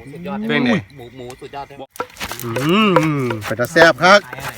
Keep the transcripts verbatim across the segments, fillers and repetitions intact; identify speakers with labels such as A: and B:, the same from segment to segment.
A: สุดยอด
B: เป็นไง
A: หมูหมูสุดยอด
B: อืมเป็นตาแซ่บครับ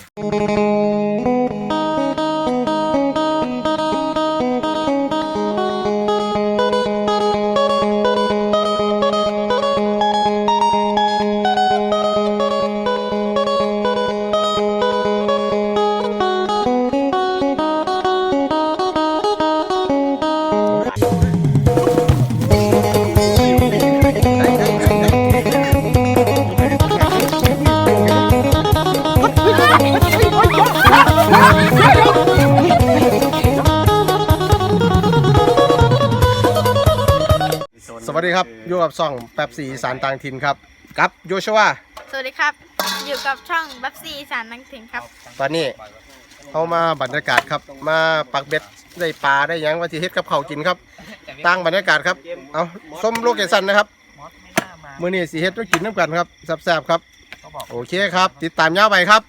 B: สวัสดีครับอยู่กับช่องแป๊บซีอีสานต่างถิ่นครับกับโยชวา
C: สวัสดีครับอยู่กับช่องบัฟซีอีสานต่างถิ่นครับ
B: ตอนนี้เข้ามาบรรยากาศครับมาปักเบ็ดได้ปลาได้ยังวันที่เฮ็ดกับเขากินครับตั้งบรรยากาศครับเอาส้มโลเคชั่นนะครับมื้อนี้สิเฮ็ดต้องกินน้ำกันครับแซ่บๆครับโอเคครับติดตามยาวไปครับ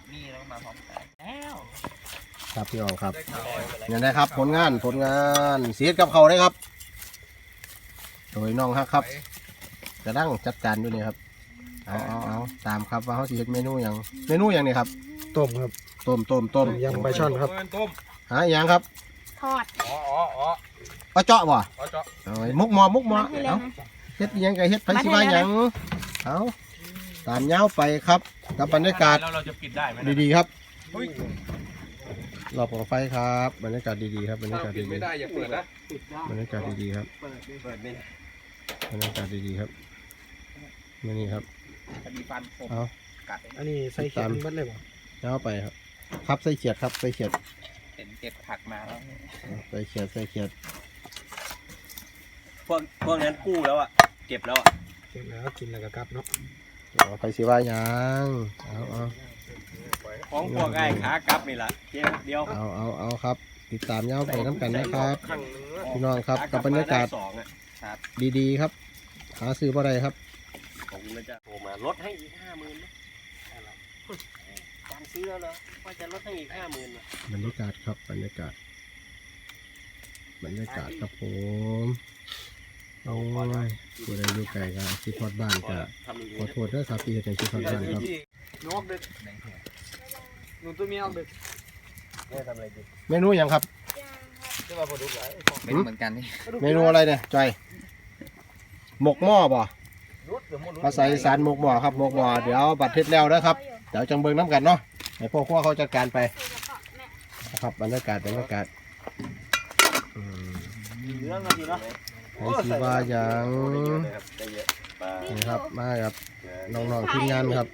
B: ครับพี่น้องครับนี่นะครับผลงานผลงานสิเฮ็ดกับเขาได้ครับโดยน้องฮักครับจะนั่งจัดการด้วยนี่ครับเอาเอาเอาตามครับว่าเขาสิเฮ็ดเมนูอย่างเมนูอย่างนี้ครับต้มครับต้มต้มต้มยำปลาช่อนครับหาอย่างครับ
C: ทอด
A: อ๋ออ๋ออ๋อ
B: ปลาเจาะบ่
A: ปลาเจาะ
B: เอามุกหมอมุกหมอเอาเฮ็ดยังไงเฮ็ดไผสิว่าหยังเอาตามยาวไปครับกับบรรยากาศ
A: เราจะปิดได้ไหม
B: ดีๆครับรอบของไฟครับบรรยากาศดีๆครับบรรยากาศดีๆ
A: ไม่ได้อย่าเปิดนะ
B: บรรยากาศดีๆครับบรรยากาศดีๆครับนี่ครับเอา
D: อันนี้ใส่เขียดมัดเลยบ่
B: เอาไปครับครับใส่เขียดครับใส่เขียด
A: เห็นเก็บผักมาแล้ว
B: ใส่เขียดใส่เขียด
A: พวกพวกนั้นกู้แล้วอ่ะเก็บแล้วอ่ะ
D: เก็บแล้วกินแล้วก็กลับเนาะ
B: เอาไปสิว่ายังเอาเอา
A: ของพวกไอ้ขากลับนี่แหละเดียว
B: เอาเอาเอาครับติดตามยาวไปน้ำกันนะครับพี่น้องครับกับบรรยากาศดีๆครับหาซื้อบ่ได้ครับ
A: ผมจะโทรมาลดให้อีกห้าหมื่นการซื้อแล้วเหรอว่าจะลดให้อีกห้าหมื่น
B: บรรยากาศครับบรรยากาศบรรยากาศครับผมโอ้ยผู้ใดอยู่ไกลก็คิดทอดบ้านก็ขอโทษด้วยครับที่เห็นคิดทอดบ้านครับ
D: นกเด็กหนูตัวเมียออกเด็ก
B: เมนูอย่างครับ
A: เป็นเหมือนกันนี่
B: เมนูอะไรเนี่ยจอยหมกหม้อบ่ภาษาอีสานหมกหม้อครับหมกหม้อเดี๋ยวบัดเทศแล้วนะครับเดี๋ยวจังเบิ้งน้ำกันเนาะให้พ่อครัวเขาจัดการไปนะครับบรรยากาศบรรยากาศ
D: เรื่องอะไรเนาะ
B: ไอ้ชีวาอย่างนี่ครับมาครับน้องๆทีมงานครับ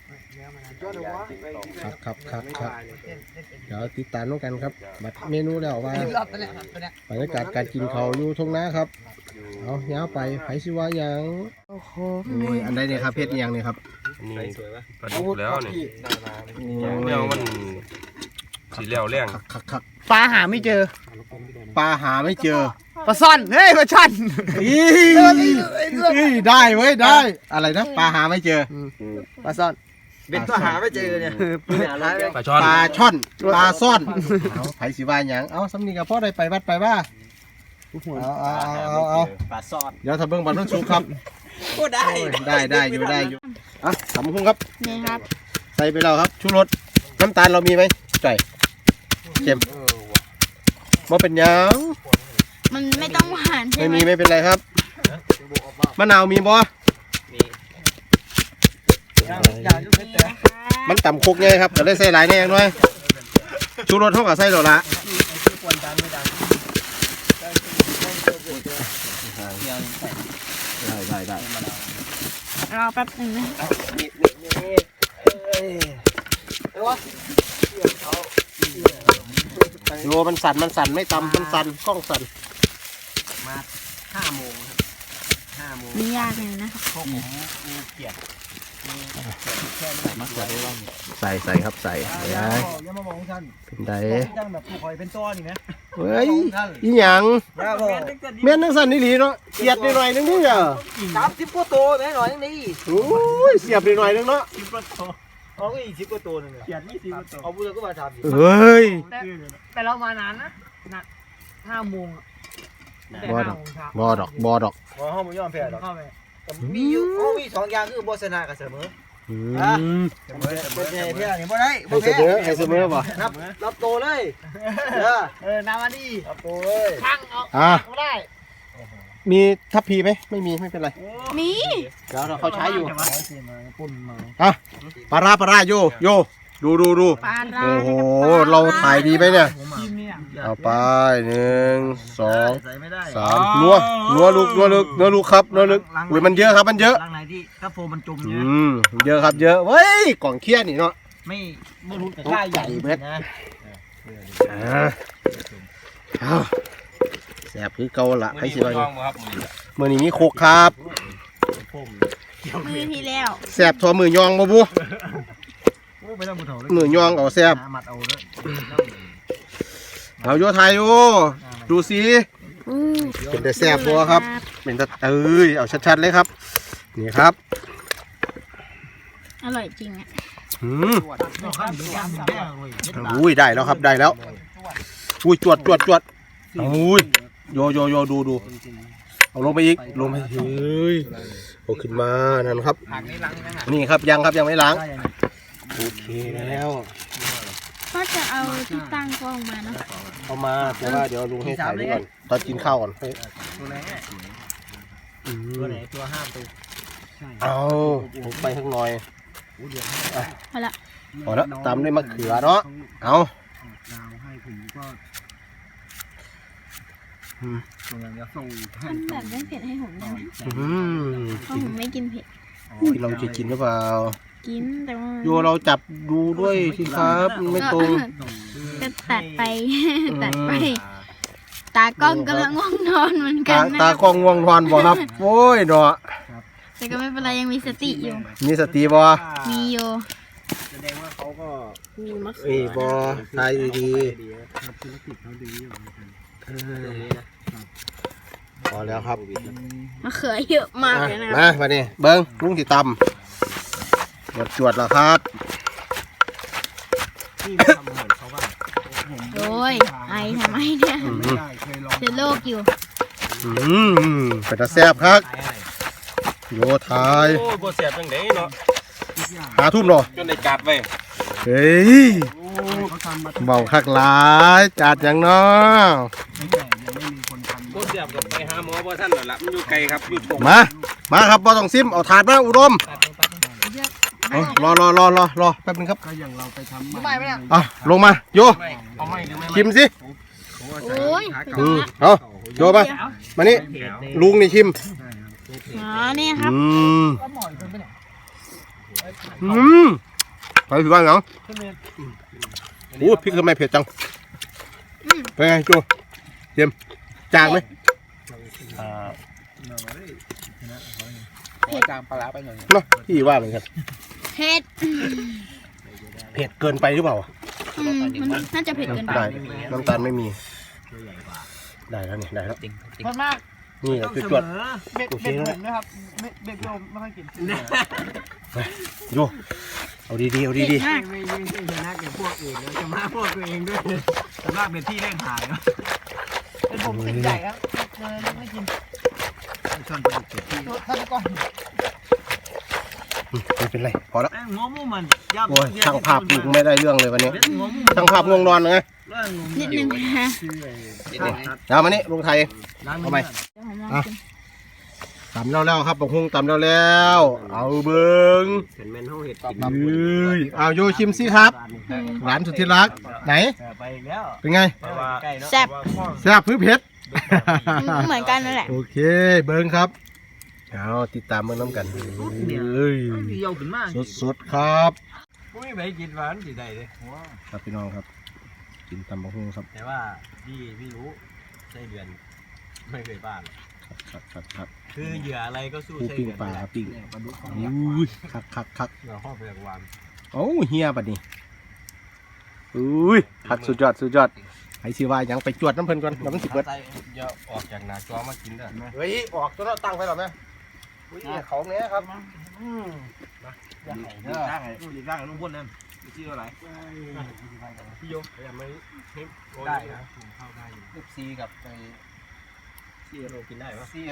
B: ครับครับครับครับเดี๋ยวติดตามน้องกันครับบัดเมนูแล้วว่าบรรยากาศการกินเขาอยู่ทุ่งนาครับเอาเนี้ยไปไผ่ชิวาอย่างโอ้โหอันใดเนี่ยครับเพชรยังเนี่ยครับ
E: นี่ปลาดุกแล้วนี่เดี๋ยวมันสีเหลวแรง
D: ปลาหาไม่เจอ
B: ปลาหาไม่เจอ
D: ปลาซ่อนเฮ้ยปลาช่อน
B: ได้เว้ยได้อะไรนะปลาหาไม่เจอ
D: ปลาซ่อน
A: เป็นปลาหาไม่เจอเนี่ย
E: ปลาช่อน
B: ปลาช่อนปลาซ่อนเอาไผ่ชิวาอย่างเอาสำนีกับพ่อได้ไปวัดไปว่าเอาเอาเอาเอา
A: ปลาซ่อน
B: เดี๋ยวทำเบิ้งบอลนุ่นสูงครับ
A: โอ้ได้
B: ได้ได้อยู่ได้อยู่อ่ะสำคุ้งครับ
C: นี่ครับ
B: ใส่ไปแล้วครับชูรสน้ำตาลเรามีไหมใส่เค็มว่าเป็นยัง
C: มันไม่ต้องหวานใช่ไหม
B: ไม่มีไม่เป็นไรครับมะนาวมีบ่มันต่ำคุกไงครับก็เลยใส่หลายแน่ยังด้วยชูรสเท่ากับใส่หรอละได้ได้ได้
C: รอแป๊บนึงนะ
B: โยมันสั่นมันสั่นไม่ตำมันสั่นกล้องสั่น
A: มาห้าโมงครับห้าโมง
C: ไม่ยากเลยนะ
A: พวกผมมีเกียรติ
B: ใส่ใส่ครับใส่
D: อย่ามาบอกท่าน
B: เป็นได
D: จังแบบผู้คอยเป็นต้อนี่นะ
B: เฮ้ยอีหยังเมียนนังสั่นนี่หลีเนาะเสียบหน่อยนึงนี่เหรอ
D: สามสิบกว่าโตแม่หน่อยนึงนี่
B: โอ้ยเสียบหน่อยนึงเนาะ
D: สิบกว่าโตเอาก็อีกสิบกว่าโตนึงเสียบยี่สิบกว่าโตเอาพูดก็มาทำ
B: เฮ้ย
D: แต่เรามานานนะนะห้าโมง
B: บอดอกบอดอกบอดอก
D: บอห้องมุ้งยอมแพ้หรอก
A: มีอยู่โอ้มีสองอย่างคือบ่ชนะกับเสมอ
B: อื
A: อ่ะ
B: ม
A: เสมอเสมอเที่ยวนี่บ่ได้
B: ให้เสมอให้เสมอบ่
A: นับรับโตเลยเออเออนามาดีรับโตเลยข้างเอา
B: อ่ะ
A: ไม่ได้
B: มีทัพพีไหมไม่มีไม่เป็นไร
C: มี
B: เดี๋ยวเราเขาใช้อยู่
A: ปุ่นมา
B: อ่ะปลาร้าปลาร้าโยโยดูดูดู
C: ปลาร้า
B: โอ้โหเราถ่ายดีไหมเนี่ย
A: ทีมเนี่ย
B: เอาไปหนึ่งสอง
A: ใส่ไม่ได้
B: สามนัวนัวลูกนัวลูกนัวลูกครับนัวลูกอุ้ยมันเยอะครับมันเยอะ
A: ลังไหนที่ถ้าโฟมันจม
B: อื
A: เนี่ย
B: มเยอะครับเยอะเว้ยกล่องเคี้ยนี่เนาะ
A: ไม่ไม่รู้แต่ค่าใหญ่นะ
B: อ่าเอาแสบคือเก่าละให้สิว่า
E: ย่องบ่ครับมื้อนี้
B: มือนี้มีโคกครับ
C: มือที่แล้ว
B: แสบทอมือยองบ่บุ
A: ไม่ต้องบุญเถาเลย
B: มือยองเอาแสบ
A: มัดเอาเลย
B: เอาโยไทยโอดูสิ
C: อู้
B: เป็นแต่แสบบัวครับ เป็นแต่เอ้ยเอาชัดๆเลยครับนี่ครับ
C: อร่อยจริงอ่ะ
B: อืม
A: ข้ามยำแม่เลย
B: อุ้ยได้แล้วครับได้แล้วอุ้ยจวดจวดจวดอุ้ยโยโยโยดูดูเอาลงไปอีกลงไปเฮ้ยโอ้ขึ้นมานั่นครับ
A: ผักนี่ล้างนะฮะ
B: นี่ครับยังครับยังไม่ล้างโอเคแล้ว
C: ก็จะเอาที่ตั้งกล้องมาเนาะ
B: เอามาแต่ว่าเดี๋ยวลุงให้ถ่ายดูก่อนตอนกินข้าวก่อนเฮ้ย
A: ตัวไหน
B: อื
A: ตัว
B: ม
A: ไหนตัวห้ามตัว
B: เอาผมไปข้างหน่อย
C: เอาละ
B: พอแล้วตามด้วยมะเขือเนาะเอา
A: ดาวให้ผมก็
B: อืม
A: ตัวอย่างจะส่ง
C: ทำแบบไม่เผ็ดให้ผมได้ไหม
B: อืม
C: เพราะผมไม่กินเผ็ด
B: เราจะกินหรือเปล่า
C: กินแต่ว่า
B: โยเราจับดูด้วยสิครับมันไม่ตรง
C: ก็ตัดไป ตัดไป ตากล้องกำลังง่วงนอนเหมือนกั
B: ตาน
C: นะ
B: ตากล้องง่วงนอนบ่ครับโอ้ยเนาะ
C: แต่ก็ไม่เป็นไรยังมีสติอยู่
B: มีสติบ่
C: มีอยู่
A: แสดงว่าเขาก็
B: เอ้ยบ่ทายดี
A: ทำธุรกิจเขาดีอยู่เหมือนกัน
B: ๆเออพอแล้วครับ
C: มะเขือเยอะมาก
B: อ่ะ
C: เลยนะ
B: มามานี่เบิ้งลุงสิตำจวดจวดแล้วครับ
A: ที่ทำเหมือนเขาว่า
C: โอ้ยไอทำไมเนี่ย
B: อืม
A: ไม่ได้เคยลอง
C: เจอโรคอยู่
B: อืมเป็นตาแซ่บครับ โยทาย
E: โอ้ยบ่แซ่บจังได๋เนาะ
B: หาทุ่มเนาะ
E: จนได้จัดไว้
B: เฮ้ย
A: เขาทำมา
B: เบาคักหลายจัดอย่างเนาะ
A: ตั้งแต่ยังไม่มีคนทำ
E: บ่แซ่บก็ไปหาหมอบ่ทันแล้วล่ะมันอยู่ไกลครับอยู่ตรง
B: มามาครับบ่ต้องซิมเอาถาดมาอุดมเอารอรอรอรอรอแป๊บนึงครับ
A: ก็อย่างเราไปทำ
D: ไม่ไม่เนี่ย
B: อ่ะลงมาโย
E: เอาไม่หรือไม่
B: ชิมสิ
C: โอ้ย
B: อืมเอาโยมามานี่ลุงนี่ชิม
C: อ๋อนี่ครับ
B: อืมอืมไปถือว่าเหรอโอ้พริกทำไมเผ็ดจัง
C: อืม
B: เป็นไงโจเต็มจางไหม
A: จางปลาไปหน่อย
B: เนาะพี่ว่าเหมือนกัน
C: เผ็ด
B: เผ็ดเกินไปหรือเปล่า
C: อืมมันน่าจะเผ็ดเกินไป
B: ได้น้ำตาลไม่มี ได้แล้วนี่ได้แล้ว
D: มันมาก
B: นี่แหละคือจวด
D: เบ็ด
B: โอเค
D: เบ็ด
B: แล้ว
D: ผมนะครับเบ็ดเบ็ดผมไม่ค่อยกิน
B: โยเอาดีๆเอา
C: เผ็ด
B: ดี
C: มาก
A: ไม่ไม่ใช่ชนะกับพวกอื่นแล้วจะมาพวกตัวเองด้วยแต่ว่าเป็นที่เล่นหายแล้ว
D: เป็นผมติดใหญ่ครับเลยไม่กิน
A: ชนประดุกเก็บที่
D: ตัวท่านก่อน
B: ๆไม่เป็นไรพอแล้ว
A: แม่งงมูมันยับ
B: โอ้ยช่างภาพลุงไม่ได้เรื่องเลยวันนี้
A: งมู
B: ช่างภาพง่วงนอนไง
C: นิดนึงนะ
B: เอามานี่ลุงไทย เอาไหม
C: เดี๋ยวผมลองกิน
B: ตำแล้วแล้วครับบอกฮุงตำแล้วแล้วเอาเบิ้ง
A: เห็นแมนเขาเห็ด
B: เอ้ยเอาโยชิมสิครับ
C: อืม
B: หลานสุดที่รักไหน
A: ไปอีกแล้ว
B: เป็นไง
A: ใกล้เนาะ
C: แซ่บ
B: แซ่บพื้เผ็ด
C: เหมือนกันนั่นแหละ
B: โอเคเบิ้งครับเอาติดตามเบิ้งน้ำกันเอ้ย
A: เยาวขึ้นมาก
B: สดๆครับ
A: ไม่ไปกินหวานสิได้เลย
B: ครับพี่น้องครับ กินตำบักหุ่งครับ
A: แต่ว่าพี่พี่รู้ไส้เดือนไม่เคยบ้าน
B: ครับครับครับ
A: คือเหยื่ออะไรก็สู้
B: ผู้
A: ไส้
B: ปิ้ง
A: เดือน
B: ปลา
A: ไม่ได้
B: ปิ้ง
A: ปลาดุก
B: อุ้ยคักคักคัก
A: เหยื่อข้อเปลือกหวาน
B: โอ้เฮียบัดนี้อุ้ยคักสุดยอดสุดยอดไอ้สิว่ายังไปจวดน้ำเพลินก่อนน้ำมันสิเบิด
E: อย่าออกจากหน้าจอมากินเด้อ
B: เฮ้ยออกตัวเราตั้งไปหรอแม่อุ้ยเขาเนี้ยครับอืม
A: ดีร่างไงดีร่างลุงพ่นนั่นชื่ออะไรพี่โยพยายามไม่ได้นะเข้าได้อยู่
B: เอฟซีกับไป
A: ที่เรากินได้ปะ
B: ซีเอฟกับ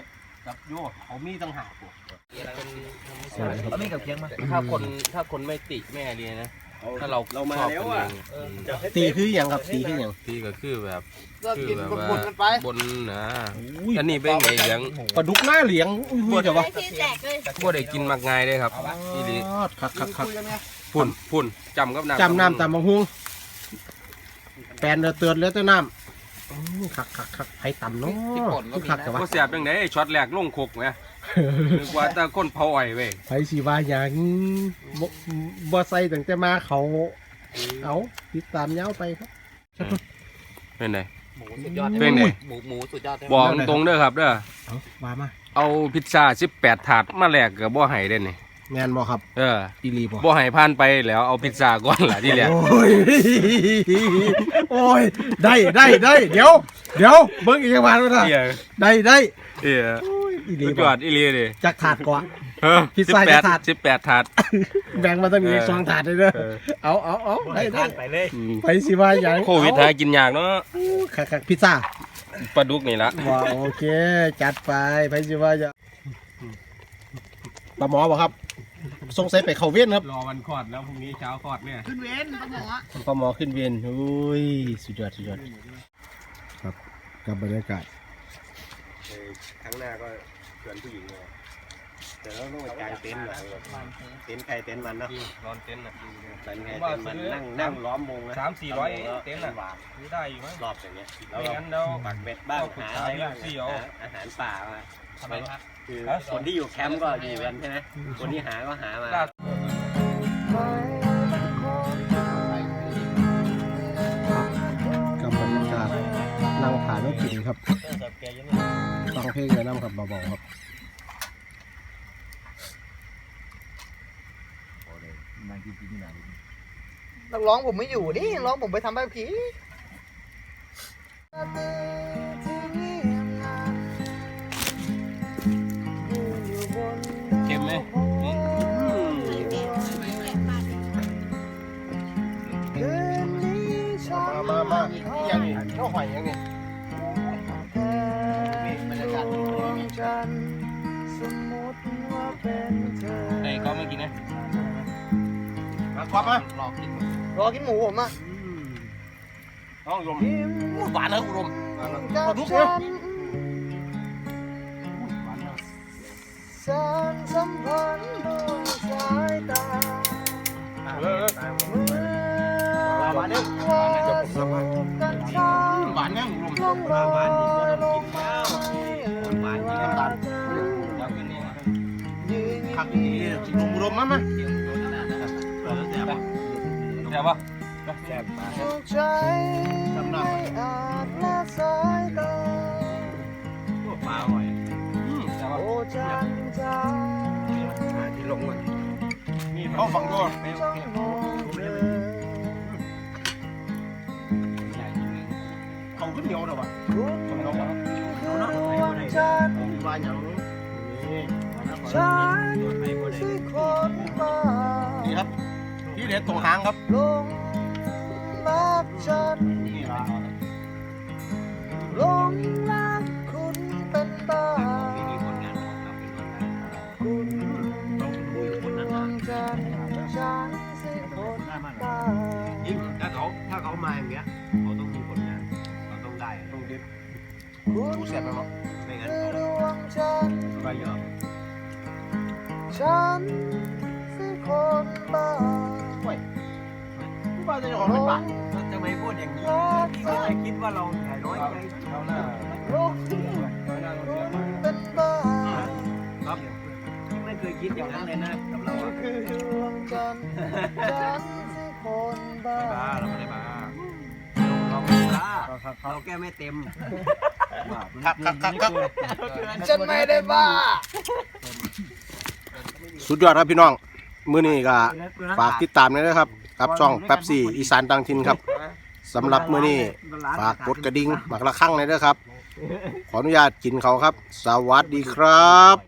B: กับโยเขามีต่างหาก
A: เอาไม่กับเคียงมา
E: ถ้าคนถ้าคนไม่ติแม่เรียนนะถ้าเรา
D: เรามา
E: ชอบ
D: แล้ว
E: กัน
D: อ่ะ
E: เอง
B: ตีคืออย่างครับตีคืออย่าง
E: ตีก็คือแบบ
D: ก็
E: คือ
D: กิน
E: แบบ
D: บ
E: ว่าน
D: ๆกันไป
E: บนนะอันนี้เป็นไงเลี้ยง
B: ปลาดุกหน้าเหลียงอุ้ยเดี๋ยววะ
C: ที่แตกเลย
E: บ่ได้กินมากง่ายเลยครับอีหลี
B: คักคักคัก
E: พุ่นพุ่นจำกับน้ำ
B: จำน้ำตำบังฮุงแปนเดือดเตือนแล้วเต้าน้ำอื้อคักคักคักไผ่ต่ำเนาะคือคักแต่ว่า
E: บ่เสียบจังได๋ช็อตแรกลงคกแหมนึกว่าแต่คนเผาอ้อยเว้ย
B: ไผ่สีว่าอย่างบ่บ่ใส่ตั้งแต่มาเขาเอาติดตามยาวไปครับ
E: เป็นไง
A: หมูสุดยอด
E: เป็นไง
A: หมูหมูสุดยอด
E: บอกตรงๆเด้อครับเด้อ
B: เอาว่ามา
E: เอาพิซซ่าสิบแปดถาดมาแลกก็บ่ให้เด้นี่
B: แมนบ่ครับ
E: เออ
B: อีลีบ่
E: บ่ให้ผ่านไปแล้วเอาพิซซ่าก่อนล่ะที่แรก
B: โอ้ยโอ้ยได้ได้ได้เดี๋ยวเดี๋ยวเบิ่งอีกวันว่า
E: เหี้ย
B: ได้ได้
E: เหี้ย
B: โอ้ยอีลี
E: สุดย
B: บ่
E: อดอีหลีเด้
B: จากถาดกว่า
E: เออ
B: พิซซ่า
E: สิบแปด
B: จะถาด
E: สิบแปดถาด
B: แบ่งมาตั้งนี้
E: เออ
B: สองถาดเลยเด้อ
E: เออ
B: เอาเอาเอาได้ได้
D: ไปเลย
E: อืม
B: ไปสิว่าอย่าง
E: โควิดหากินยากเนาะ
B: คักคักพิซซ่า
E: ปลาดุกนี่ละ
B: ว้าโอเค จัดไปไปสิว่าอย่างปลาหมอบ่ครับสงสัยไปเข้าเวียนครับ
E: รอวันคลอดแล้วพรุ่งนี้เช้าคลอดเนี่ย
C: ขึ้นเว้นปลาหมอ
B: ปลาหมอขึ้นเวียนโอ้ยสุดยอดสุดยอดครับกับบรรยากาศ
D: ครั้งหน้าก็ชวนผู้หญิงเลยแต่เราต้องไปกางเต็นท์เหรอเต็นท์ใครเต็นท์มันเนาะ
E: นอนเต็นท์น่ะ
D: เต็นท์ใครเต็นท์มันนั่งนั่งล้อมวงนะ
E: สามสี่ร้อยเต็นท์น่ะซื้อได้อยู่มั้ง
D: รอบอย่างเงี้ยแล้ว
E: ไม่
D: เรา
E: งั้นเรา
D: ปักเบ็ดบ้างหาอะไรบ้าง
E: เอา
D: หาอาหารป่ามา
E: ทำไมครับ
D: คือคนที่อยู่แคมป์ก็อยู่กันใช่ไหมคนที่หาก็หามา
B: กับบรรยากาศนั่งผ่านรถกินครับฟังเพลงกับน้ำครับเบาๆครับ
F: นักร้องผมไม่อยู่นี่นักร้องผมไปทำใบผี
E: เค็มไหม
B: มามามาอย่างนี้ข้าวหอยอย่างนี้บรรยากาศดีมี
E: ไอ้ก็ไม่กินนะ
B: มาควับมาร
E: อกิน
F: รอกินหมูผมอ่ะ
B: ต้องลมหวานนะคุณลม
F: กับฉันสารสัมพันธ์ด้วยสายตา
B: เออ
F: เมื่อว่าสูบกันช้า
B: หวานเนี่ยลม
F: ลงรอยลงมา
B: หวานที่น้ำตาล
F: ยืน
B: ขักดีลมลมมามา
E: แซ่บปะ
F: ใจไม่อาจละสายตา
E: ปลาอร่อยแซ่บปะ
F: โอ้จันจ้า
E: ที่ลงมัน
B: เขาฟังด้วย
F: จ้องมองเธอ
B: เขาขึ้นเหนียวเดี๋ยววะ
F: คุณดวงจันทร์
B: หวานอย่างนี้
F: ฉันสิคนบ้า
B: นี่ครับที่เด็ดตรงหางครับ
F: ลงรักฉัน
B: นี่ละ
F: ลงรักคุณเป็นบ้าคุณดวงจันทร์ฉันสิคนบ้า
A: ยิ่งถ้าเขาถ้าเขามาอย่างเงี้ยเขาต้องมีผลงานเขาต้องได้ต้องเด็ด
F: คุณ
B: ดูเสียบแล้วเนาะ
A: ไม่งั้น
F: คือ
A: เขา
F: ดวงจันทร์
A: ไปเยอะ
F: ฉันสิคนบ้า
B: ผู้บ้านจะออกเป็นปาก
A: ทำไมพูดอย่างนี้พี่ก็เลยคิดว่าเราใหญ่น้อยใจ
E: เอาหน้า
F: ลง
E: เอาหน้าเราเสียบมา
F: เป็นบ้า
A: ครับพี่ไม่เคยคิดอย่างนั้นเลยนะกับเราอะ
F: คือดวงจันทร์ฉันสิคนบ้า
A: บ้าเราไม่ได้บ้าเราไม่ได้บ้าเราแก้ไม่เต็ม
B: ครับครับครับครับ
F: ฉันไม่ได้บ้า
B: สุดยอดครับพี่น้อง มื้อนี้ก็ฝากติดตามด้วยนะครับกับช่องแป๊บซี่อีสานต่างถิ่นครับสำหรับมื้อนี้ฝากกดกระดิ่งหมักละครั้งเลยด้วยครับ ขออนุญาตกินเขาครับ สวัสดีครับ